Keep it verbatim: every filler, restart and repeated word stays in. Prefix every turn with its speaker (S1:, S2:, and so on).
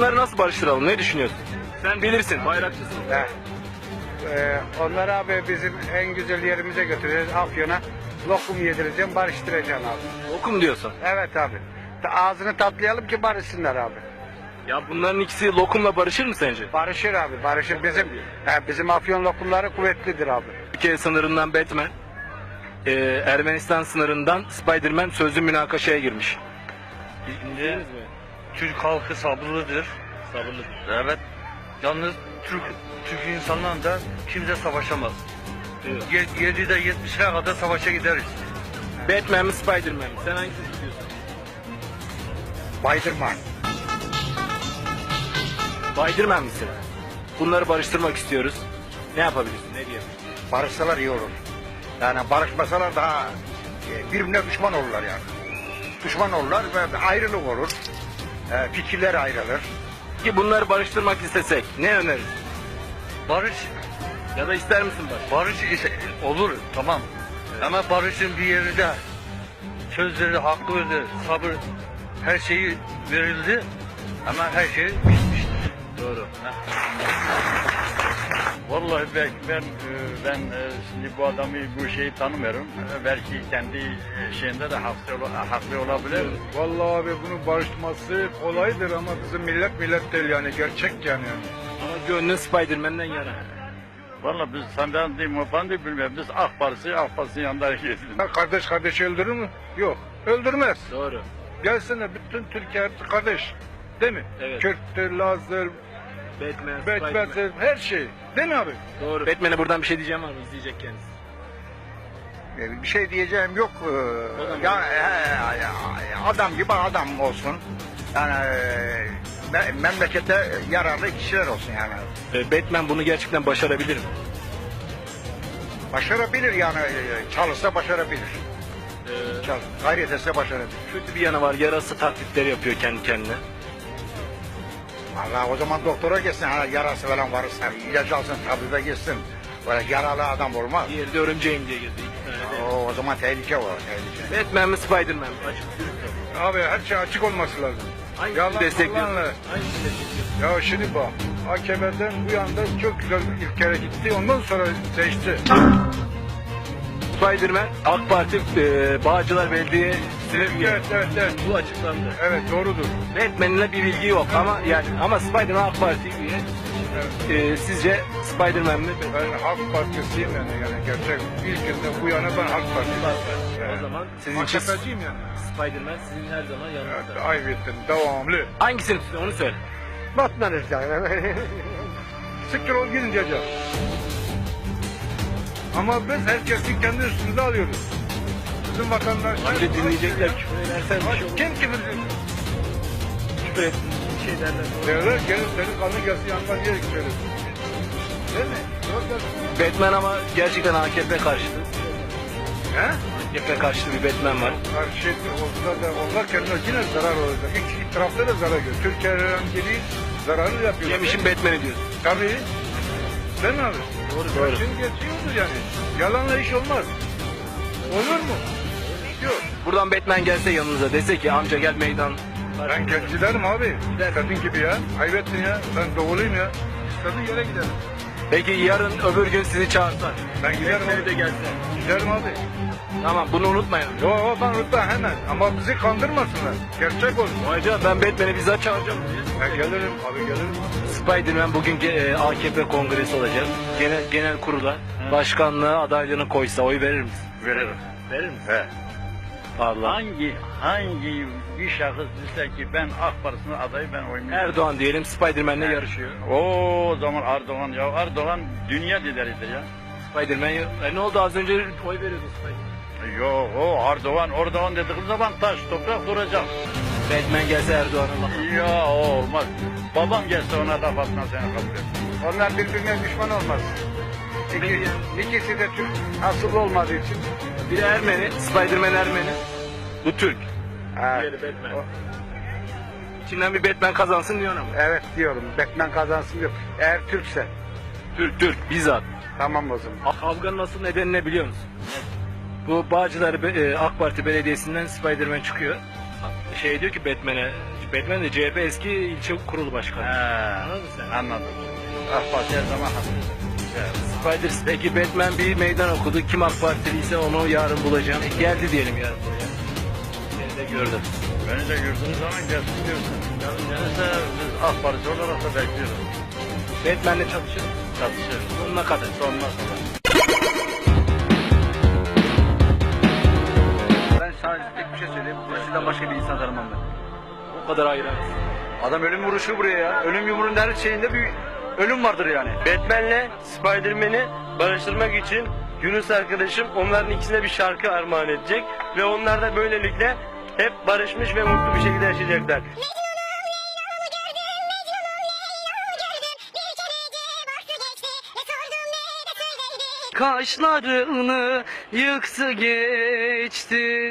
S1: bunları nasıl barıştıralım? Ne düşünüyorsun? Sen bilirsin, bayrakçısın.
S2: He. Ee, onları abi bizim en güzel yerimize götüreceğiz, Afyon'a. Lokum yedireceğim, barıştıracağım abi.
S1: Okum diyorsun.
S2: Evet abi. Ta- Ağzını tatlayalım ki barışsınlar abi.
S1: Ya bunların ikisi lokumla barışır mı sence?
S2: Barışır abi, barışır. Bizim he, bizim Afyon lokumları kuvvetlidir abi.
S1: Türkiye sınırından Batman, e, Ermenistan sınırından Spider-Man sözlü münakaşaya girmiş.
S3: Şimdi Türk halkı sabırlıdır.
S1: Sabırlı.
S3: Evet. Yalnız Türk Türk insanlarla da kimse savaşamaz.
S1: Evet.
S3: Ye- yedide yetmişine kadar savaşa gideriz.
S1: Batman mi Spider-Man mi? Sen hangisini istiyorsun?
S2: Baydırman.
S1: Spider-Man misin? Bunları barıştırmak istiyoruz. Ne yapabilirsin? Ne diyebilirsin?
S2: Barışsalar iyi olur. Yani barışmasalar daha e, birbirine düşman olurlar yani. Düşman olurlar ve ayrılık olur. E, fikirler ayrılır.
S1: Ki bunları barıştırmak istesek ne önerirsin?
S3: Barış
S1: Ya da ister misin barış?
S3: barış ise olur tamam. Ama barışın bir yeri de sözleri haklı öyle sabır her şeyi verildi ama her şey bitmiştir.
S1: Doğru.
S4: Vallahi ben ben, e, ben e, şimdi bu adamı bu şeyi tanımıyorum. E, Belki kendi e, şeyinde de haklı, ola- haklı olabilir.
S5: Vallahi abi bunun barışması kolaydır ama bizim millet millet değil yani gerçek yani.
S1: Ama gönlün Spider-Man'den yana.
S4: Vallahi biz senden değil mi ben de bilmiyorum. Biz AK Partisi AK Partisi'nin yanında gidiyoruz.
S5: Ha, kardeş kardeşi öldürür mü? Yok. Öldürmez.
S1: Doğru.
S5: Gelsene bütün Türkiye hepsi kardeş. Değil mi?
S1: Evet.
S5: Kürttür, Laz'dır,
S1: Batman, Spider-Man.
S5: Betmez'dir, her şey. Değil mi abi?
S1: Doğru. Batman'e buradan bir şey diyeceğim var mı? İzleyecek kendisi.
S2: E, bir şey diyeceğim yok. E,
S1: Adam
S2: yani e, e, adam gibi adam olsun. Yani e, me- memlekete yararlı kişiler olsun yani.
S1: Ee, Batman bunu gerçekten başarabilir mi?
S2: Başarabilir yani. e, Çalışsa başarabilir.
S1: Ee,
S2: Çal, gayret etse başarabilir.
S1: kötü bir yanı var. Yarası taklitleri yapıyor kendi kendine.
S2: Vallahi o zaman doktora gitsin. Ha, yarası falan varsa ilaç alsın, tabibe gitsin. Böyle yaralı adam olmaz.
S1: Diğeri de örümceğim diye geziyor. İki tane de.
S2: O, o zaman tehlike var, tehlike.
S1: Batman mi Spider-Man mi? Açık dürüst ol.
S5: Abi her şey açık olması lazım.
S1: Hangisini
S5: Yalan
S1: destekliyorsun?
S5: dolanla.
S1: Hangisini destekliyorsun?
S5: Ya şimdi bak. A K P'den bu yanda çok güzel ilk kere gitti. Ondan sonra değişti.
S1: Spider-Man, AK Parti, e, Bağcılar Belediyesi'ne üye.
S5: Evet, evet, evet.
S1: Bu açıklandı.
S5: Evet, doğrudur.
S1: Batman'le bir bilgi yok ama yani ama Spider-Man AK Parti üye. E, sizce Spider-Man mi? Batman mi?
S5: Ben Halk Partisiyim yani, yani gerçek. İlk günden bu yana ben Halk Partisiyim.
S1: O zaman sizin için
S5: A K P'ciyim yani.
S1: Spider-Man sizin her zaman yanınızda.
S5: Evet, ayıp ettin, devamlı.
S1: Hangisini tutuyor onu söyle.
S2: Batmanız yani.
S5: Siktir ol gidin diyeceğim. Ama biz herkesi kendi üstümüze alıyoruz. Bizim vatandaşlar...
S1: Önce dinleyecekler küfür edersen bir şey olur.
S5: Kim kimin?
S1: Küfür etsin bir şey derler.
S5: Derler gelin senin kanın gelsin yanından diye söylesin. Değil mi? Yok gelsin.
S1: Batman ama gerçekten A K P karşıtı.
S5: He?
S1: A K P karşıtı bir Batman var.
S5: Karşı olsa da onlar kendine yine zarar olacak. İki, iki tarafta da zarar görüyor. Türkiye önceliği zararı yapıyor.
S1: Yemişim Batman'i diyorsun.
S5: Tabii. Değil mi abi?
S1: Doğru, doğru.
S5: Şimdi geçiyordur yani. Yalanla iş olmaz. Olur mu? Yok.
S1: Buradan Batman gelse yanınıza dese ki amca gel meydan.
S5: Ben gel giderim abi. Kadın gibi ya. Kaybettin ya. Ben doğuluyum ya. İstediğin yere giderim.
S1: Peki yarın öbür gün sizi çağırsak.
S5: Ben giderim
S1: Batman'i
S5: abi.
S1: de gelse.
S5: Giderim abi.
S1: Tamam bunu unutmayın.
S5: Yo yo ben unutma hemen. Ama bizi kandırmasınlar. Gerçek olsun.
S1: Ayrıca ben Batman'i bizzat çağıracağım buraya.
S5: Ben gelirim abi gelirim.
S1: Spider-Man bugün e, A K P kongresi olacak. Genel, genel kurula başkanlığı adaylığını koysa oy verir misin?
S4: Veririm.
S1: Verir misin?
S4: He.
S1: Allah.
S4: Hangi hangi bir şahıs dese ki ben AK Partisi'nin adayı ben oynuyorum.
S1: Erdoğan diyelim Spider-Man'le yarışıyor.
S4: O zaman Erdoğan ya Erdoğan dünya lideridir ya.
S1: Spider-Man e, ne oldu az önce oy veriyordun Spider-Man.
S4: Yok o Erdoğan Erdoğan dediğim zaman taş toprak duracak.
S1: Batman gelse Erdoğan'a laf.
S4: Ya o olmaz. Babam gelse ona laf atmaz seni kabul et.
S2: Onlar birbirine düşman olmaz. İki, ikisi de Türk asıllı olmadığı için.
S1: Biri Ermeni, Spider-Man Ermeni. Bu Türk.
S2: Ha,
S1: Diğeri Batman.
S2: o-
S1: İçinden bir Batman kazansın diyorsun ama.
S2: evet diyorum. Batman kazansın diyor. Eğer Türkse.
S1: Türk, Türk, bizzat.
S2: Tamam o zaman.
S1: Kavganın asıl nedeni ne biliyor musun? Bu Bağcılar e, AK Parti Belediyesi'nden Spider-Man çıkıyor. Şey diyor ki Batman'e, Batman de C H P eski ilçe kurulu başkanı.
S4: He,
S1: Anladın mı sen?
S4: anladım. AK Parti her zaman haklı. Güzel.
S1: Spiders peki Batman bir meydan okudu. Kim AK Partiliyse onu yarın bulacağım. E, geldi diyelim yarın buraya. Seni de gördüm.
S4: Beni de gördüğünüz zaman gelsin diyorsun. Yarın gelirse biz AK Parti olarak da bekliyoruz.
S1: Batman'le çalışırız.
S4: Çalışıyoruz.
S1: Sonuna kadar.
S4: Sonuna kadar.
S3: Ben sadece tek bir şey söyleyeyim. Sizden başka bir insan tanımam ben.
S1: O kadar hayran.
S3: Adam ölüm vuruşu buraya ya. Ölüm yumruğunun her şeyinde bir ölüm vardır yani.
S6: Batman'le Spider-Man'i barıştırmak için Yunus arkadaşım onların ikisine bir şarkı armağan edecek ve onlar da böylelikle hep barışmış ve mutlu bir şekilde yaşayacaklar. Kaşlarını yıktı geçti.